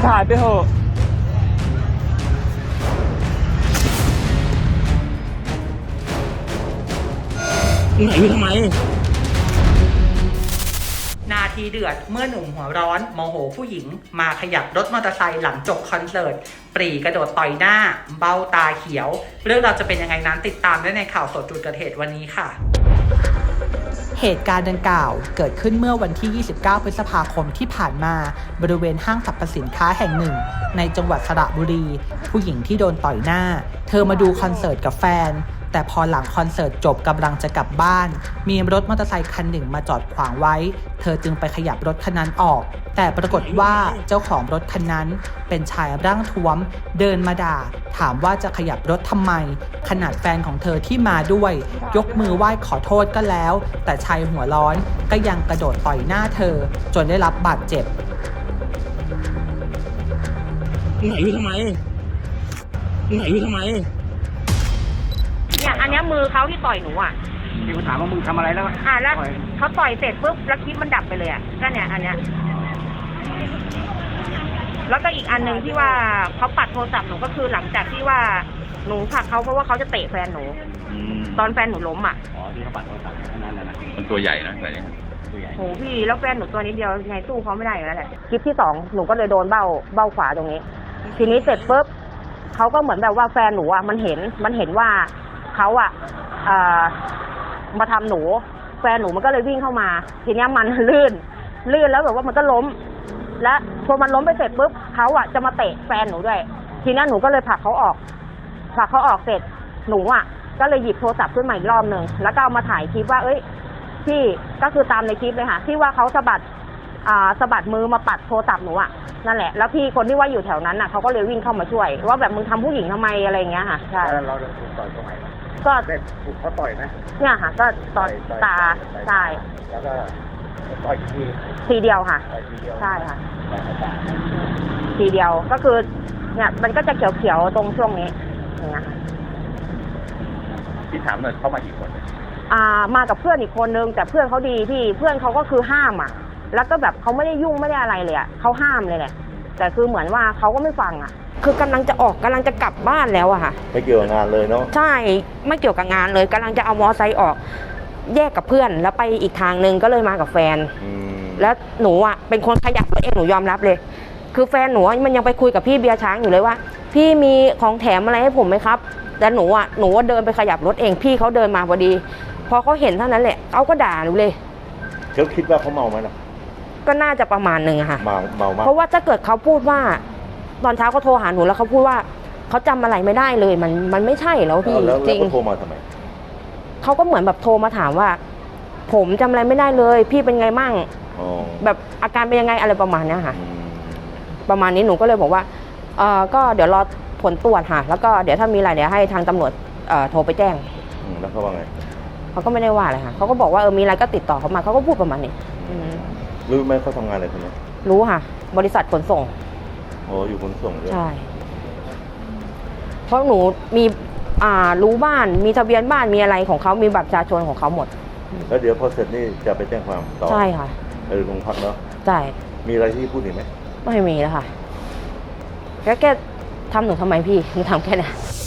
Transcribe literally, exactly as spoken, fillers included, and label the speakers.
Speaker 1: ถ่ายไปเถอะไหนอยู่ทำไม
Speaker 2: นาทีเดือดเมื่อหนุ่มหัวร้อนโมโหผู้หญิงมาขยับรถมอเตอร์ไซค์หลังจบคอนเสิร์ตปรีกระโดดต่อยหน้าเบ้าตาเขียวเรื่องเราจะเป็นยังไงนั้นติดตามได้ในข่าวสดจุดเกิดเหตุวันนี้ค่ะเหตุการณ์ดังกล่าวเกิดขึ้นเมื่อวันที่ ยี่สิบเก้า พฤษภาคมที่ผ่านมาบริเวณห้างสรรพสินค้าแห่งหนึ่งในจังหวัดสระบุรีผู้หญิงที่โดนต่อยหน้าเธอมาดูคอนเสิร์ตกับแฟนแต่พอหลังคอนเสิร์ตจบกำลังจะกลับบ้านมีรถมอเตอร์ไซค์คันหนึ่งมาจอดขวางไว้เธอจึงไปขยับรถคันนั้นออกแต่ปรากฏว่าเจ้าของรถคันนั้นเป็นชายร่างท้วมเดินมาด่าถามว่าจะขยับรถทำไมขนาดแฟนของเธอที่มาด้วยยกมือไหว้ขอโทษก็แล้วแต่ชายหัวร้อนก็ยังกระโดดต่อยหน้าเธอจนได้รับบาดเจ็บ
Speaker 1: ไหนอยู่ทำไมไหนอยู่ทำไม
Speaker 3: เนี่ยอันนี้มือเขาที่ต่อยหนูอ่ะ
Speaker 4: พี่ถามว่ามึงทำอะไรแล้ว
Speaker 3: อ่าแล้วเขาต่อยเสร็จปุ๊บแล้วคลิปมันดับไปเลยอ่ะก็เนี่ยอันเนี้ยแล้วก็อีกอันหนึ่งที่ว่าเขาปัดโทรศัพท์หนูก็คือหลังจากที่ว่าหนูผลักเขาเพราะว่าเขาจะเตะแฟนหนูตอนแฟนหนูล้มอ่ะ
Speaker 4: อ๋อที่เขาปัดโทรศัพท์นั่นแหละนะ
Speaker 5: มันตัวใหญ่นะอะไรเงี้ย
Speaker 4: ตัวใหญ่
Speaker 3: โหพี่แล้วแฟนหนูตัวนิดเดียวไงสู้เขาไม่ได้อยู่แล้วแหละคลิปที่สองหนูก็เลยโดนเบ้าเบ้าขวาตรงนี้ทีนี้เสร็จปุ๊บเขาก็เหมือนแบบว่าแฟนหนูอ่ะมันเห็นมันเห็นว่าเขาอ่ะมาทำหนูแฟนหนูมันก็เลยวิ่งเข้ามาทีนี้มันลื่นลื่นแล้วแบบว่ามันก็ล้มและพอมันล้มไปเสร็จปุ๊บเขาอ่ะจะมาเตะแฟนหนูด้วยทีนี้หนูก็เลยผลักเขาออกผลักเขาออกเสร็จหนูอ่ะก็เลยหยิบโทรศัพท์ขึ้นมาอีกรอบหนึ่งแล้วก็เอามาถ่ายคลิปว่าเอ้ยพี่ก็คือตามในคลิปเลยค่ะที่ว่าเขาสะบัดอ่าสะบัดมือมาปัดโทรศัพท์หนูอ่ะนั่นแหละแล้วพี่คนที่ว่าอยู่แถวนั้นน่ะเขาก็เลยวิ่งเข้ามาช่วยว่าแบบมึงทำผู้หญิงทำไมอะไรอย่างเงี้ยค่ะใช่
Speaker 4: เราถูกต่อยตรงไหน
Speaker 3: ก็
Speaker 4: ถูกเขาต่อยไหม
Speaker 3: เนี่ยค่ะก็ตอนตาใช่
Speaker 4: แล้วก็ต่อยที
Speaker 3: ทีเดียวค่ะใช่ค่ะทีเดียวก็คือเนี่ยมันก็จะเขียวๆตรงช่วงนี้อย่างเงี้ยค่ะ
Speaker 5: ที่ถามหน่อยเข้ามากี่คน
Speaker 3: อ่ามากับเพื่อนอีกคนนึงแต่เพื่อนเขาดีพี่เพื่อนเขาก็คือห้ามอ่ะแล้วก็แบบเขาไม่ได้ยุ่งไม่ได้อะไรเลยอ่ะเขาห้ามเลยแหละแต่คือเหมือนว่าเขาก็ไม่ฟังอ่ะคือกำลังจะออกกำลังจะกลับบ้านแล้วอะค่ะ
Speaker 4: ไม่เกี่ยวกับงานเลยเนาะ
Speaker 3: ใช่ไม่เกี่ยวกับงานเลยกำลังจะเอามอไซค์ออกแยกกับเพื่อนแล้วไปอีกทางนึงก็เลยมากับแฟนแล้วหนูอะเป็นคนขยับตัวเองหนูยอมรับเลยคือแฟนหนูมันยังไปคุยกับพี่เบียร์ช้างอยู่เลยว่าพี่มีของแถมอะไรให้ผมไหมครับแต่หนูอะหนูเดินไปขยับรถเองพี่เขาเดินมาพอดีพอเขาเห็นเท่านั้นแหละเขาก็ด่าหนูเลย
Speaker 4: เขาคิดว่าเขาเมาไหมล่ะ
Speaker 3: ก็น่าจะประมาณหนึ่งอะค่ะ
Speaker 4: เมาเมามาก
Speaker 3: เพราะว่าถ้าเกิดเขาพูดว่าตอนเช้าเขาโทรหาหนูแล้วเขาพูดว่าเขาจำอะไรไม่ได้เลยมันมันไม่ใช่แล้วพี่
Speaker 4: จริงเขาโทรมาทำไม
Speaker 3: เขาก็เหมือนแบบโทรมาถามว่าผมจำอะไรไม่ได้เลยพี่เป็นไงมั่งแบบอาการเป็นยังไงอะไรประมาณนี้ค่ะประมาณนี้หนูก็เลยบอกว่าเออก็เดี๋ยวรอผลตรวจค่ะแล้วก็เดี๋ยวถ้ามีอะไรเดี๋ยวให้ทางตำรวจเอ่อโทรไปแจ้ง
Speaker 4: แล้วเขาว่าไง
Speaker 3: เขาก็ไม่ได้ว่าอะไรค่ะเขาก็บอกว่าเออมีอะไรก็ติดต่อเขามาเขาก็พูดประมาณนี้
Speaker 4: รู้ไหมเขาทำงานอะไรคนนี้
Speaker 3: รู้ค่ะบริษัทขนส่ง
Speaker 4: โอ้อยู่ขนส่งด้วย
Speaker 3: ใช่เพราะหนูมีอ่ารู้บ้านมีทะเบียนบ้านมีอะไรของเขามีบัตรประชาชนของเขาหมด
Speaker 4: แล้วเดี๋ยวพอเสร็จนี่จะไปแจ้งความต่อ
Speaker 3: ใช่ค่ะ
Speaker 4: ไปโรงพักเนาะ
Speaker 3: ใช่
Speaker 4: มีอะไรที่พูดอีกไหม
Speaker 3: ไม่มีแล้วค่ะแค่แค่ทำหนูทำไมพี่หนูทำแค่นี้